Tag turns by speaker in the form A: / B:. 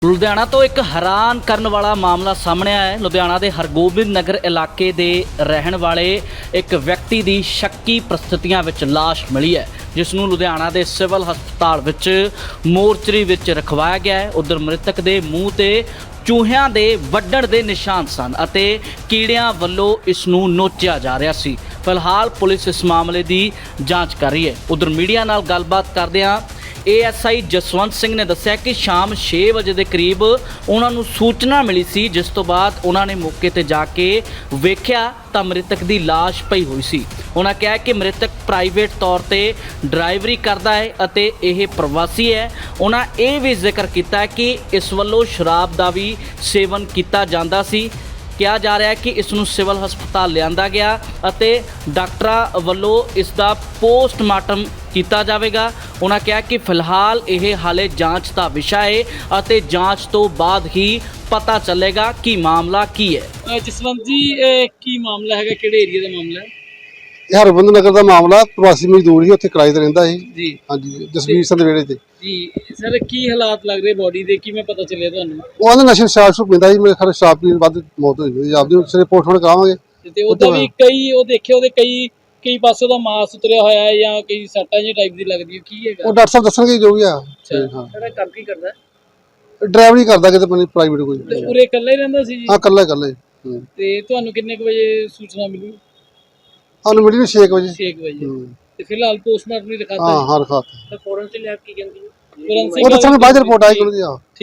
A: ਲੁਧਿਆਣਾ ਤੋਂ ਇੱਕ ਹੈਰਾਨ ਕਰਨ ਵਾਲਾ ਮਾਮਲਾ ਸਾਹਮਣੇ ਆਇਆ ਹੈ। ਲੁਧਿਆਣਾ ਦੇ ਹਰਗੋਬਿੰਦ ਨਗਰ ਇਲਾਕੇ ਦੇ ਰਹਿਣ ਵਾਲੇ ਇੱਕ ਵਿਅਕਤੀ ਦੀ ਸ਼ੱਕੀ ਪ੍ਰਸਥਿਤੀਆਂ ਵਿੱਚ ਲਾਸ਼ ਮਿਲੀ ਹੈ, ਜਿਸ ਨੂੰ ਲੁਧਿਆਣਾ ਦੇ ਸਿਵਲ ਹਸਪਤਾਲ ਵਿੱਚ ਮੋਰਚਰੀ ਵਿੱਚ ਰਖਵਾਇਆ ਗਿਆ ਹੈ। ਉਧਰ ਮ੍ਰਿਤਕ ਦੇ ਮੂੰਹ ਤੇ ਚੂਹਿਆਂ ਦੇ ਵੱਢਣ ਦੇ ਨਿਸ਼ਾਨ ਸਨ ਅਤੇ ਕੀੜਿਆਂ ਵੱਲੋਂ ਇਸ ਨੂੰ ਨੋਚਿਆ ਜਾ ਰਿਹਾ ਸੀ। ਫਿਲਹਾਲ ਪੁਲਿਸ ਇਸ ਮਾਮਲੇ ਦੀ ਜਾਂਚ ਕਰ ਰਹੀ ਹੈ। ਉਧਰ ਮੀਡੀਆ ਨਾਲ ਗੱਲਬਾਤ ਕਰਦਿਆਂ ASI ਜਸਵੰਤ ਸਿੰਘ ਨੇ ਦੱਸਿਆ ਕਿ ਸ਼ਾਮ 6 ਵਜੇ ਦੇ ਕਰੀਬ ਉਹਨਾਂ ਨੂੰ ਸੂਚਨਾ ਮਿਲੀ ਸੀ, ਜਿਸ ਤੋਂ ਬਾਅਦ ਉਹਨਾਂ ਨੇ ਮੌਕੇ ਤੇ ਜਾ ਕੇ ਵੇਖਿਆ ਤਾਂ ਮ੍ਰਿਤਕ ਦੀ ਲਾਸ਼ ਪਈ ਹੋਈ ਸੀ। ਉਹਨਾਂ ਕਿਹਾ ਕਿ ਮ੍ਰਿਤਕ ਪ੍ਰਾਈਵੇਟ ਤੌਰ ਤੇ ਡਰਾਈਵਰੀ ਕਰਦਾ ਹੈ ਅਤੇ ਇਹ ਪ੍ਰਵਾਸੀ ਹੈ। ਉਹਨਾਂ ਇਹ ਵੀ ਜ਼ਿਕਰ ਕੀਤਾ ਕਿ ਇਸ ਵੱਲੋਂ ਸ਼ਰਾਬ ਦਾ ਵੀ ਸੇਵਨ ਕੀਤਾ ਜਾਂਦਾ ਸੀ। ਕਿਹਾ ਜਾ ਰਿਹਾ ਹੈ ਕਿ ਇਸ ਨੂੰ ਸਿਵਲ ਹਸਪਤਾਲ ਲਿਆਂਦਾ ਗਿਆ ਅਤੇ ਡਾਕਟਰਾਂ ਵੱਲੋਂ ਇਸ ਦਾ ਪੋਸਟਮਾਰਟਮ ਕੀਤਾ ਜਾਵੇਗਾ। ਉਹਨਾਂ ਕਿਹਾ ਕਿ ਫਿਲਹਾਲ ਇਹ ਹਾਲੇ ਜਾਂਚ ਦਾ ਵਿਸ਼ਾ ਹੈ ਅਤੇ ਜਾਂਚ ਤੋਂ ਬਾਅਦ ਹੀ ਪਤਾ ਚੱਲੇਗਾ ਕਿ ਮਾਮਲਾ ਕੀ ਹੈ।
B: ਜਸਵੰਤ ਜੀ, ਕੀ ਮਾਮਲਾ ਹੈਗਾ, ਕਿਹੜੇ ਏਰੀਆ ਦਾ ਮਾਮਲਾ ਹੈ?
C: ਇਹ ਹਰਗੋਬਿੰਦ ਨਗਰ ਦਾ ਮਾਮਲਾ। ਪ੍ਰਵਾਸੀ ਮਜ਼ਦੂਰ ਸੀ, ਉੱਥੇ ਕਿਰਾਏ ਤੇ ਰਹਿੰਦਾ ਸੀ
B: ਜੀ
C: ਹਾਂਜੀ, ਜਸਵੀਰ ਸਿੰਘ ਦੇ ਵਿਹੜੇ ਤੇ।
B: ਜੀ ਸਰ, ਕੀ ਹਾਲਾਤ ਲੱਗ ਰਹੇ ਬੋਡੀ ਦੇ, ਕਿਵੇਂ ਪਤਾ ਚੱਲਿਆ ਤੁਹਾਨੂੰ?
C: ਉਹ ਆਂਦੇ ਨਸ਼ੇ ਸ਼ਰਾਬ ਸ਼ੁਰੂ ਪੀਂਦਾ ਸੀ, ਮੇਰੇ ਖਿਆਲ ਸ਼ਰਾਬ ਪੀਣ ਬਾਅਦ ਮੌਤ ਹੋਈ ਹੋਈ। ਆਪਦੀ ਸਿਰੇ ਪੋਸਟਮਾਰਟਮ ਕਰਾਵਾਂਗੇ
B: ਤੇ ਉਹਦਾ ਵੀ ਉਹ ਦੇਖਿਆ ਉਹਦੇ ਕਈ ਪਾਸੇ ਦਾ ਮਾਸ ਉਤਰਿਆ ਹੋਇਆ ਹੈ ਜਾਂ ਕਈ ਸੱਟਾਂ ਜਿਹੀ ਟਾਈਪ ਦੀ ਲੱਗਦੀ ਹੈ, ਕੀ ਹੈਗਾ?
C: ਉਹ ਡਾਕਟਰ ਸਾਹਿਬ ਦੱਸਣਗੇ ਜੋ ਵੀ ਆ।
B: ਹਾਂ, ਕੰਮ ਕੀ ਕਰਦਾ ਹੈ?
C: ਡਰਾਈਵਰੀ ਕਰਦਾ ਕਿਤੇ ਪ੍ਰਾਈਵੇਟ ਕੋਈ।
B: ਤੇ ਉਰੇ ਇਕੱਲਾ ਹੀ ਰਹਿੰਦਾ ਸੀ ਜੀ?
C: ਹਾਂ, ਇਕੱਲੇ।
B: ਤੇ ਤੁਹਾਨੂੰ ਕਿੰਨੇ ਕੁ ਵਜੇ ਸੂਚਨਾ ਮਿਲੀ?
C: ਸਾਨੂੰ ਮਿਲੀ 6 ਵਜੇ।
B: 6 ਵਜੇ। ਤੇ ਫਿਲਹਾਲ ਪੋਸਟਮਾਰਟਮ ਨਹੀਂ ਦਿਖਾਤਾ?
C: ਹਾਂ, ਰਖਾਤਾ।
B: ਫੋਰੈਂਸਿਕ ਲੈਬ ਕੀ ਕਹਿੰਦੀ ਹੈ?
C: ਉਹ ਤਾਂ ਸਾਨੂੰ ਬਾਅਦ ਰਿਪੋਰਟ ਆਈ ਉਹਨਾਂ ਦੀ।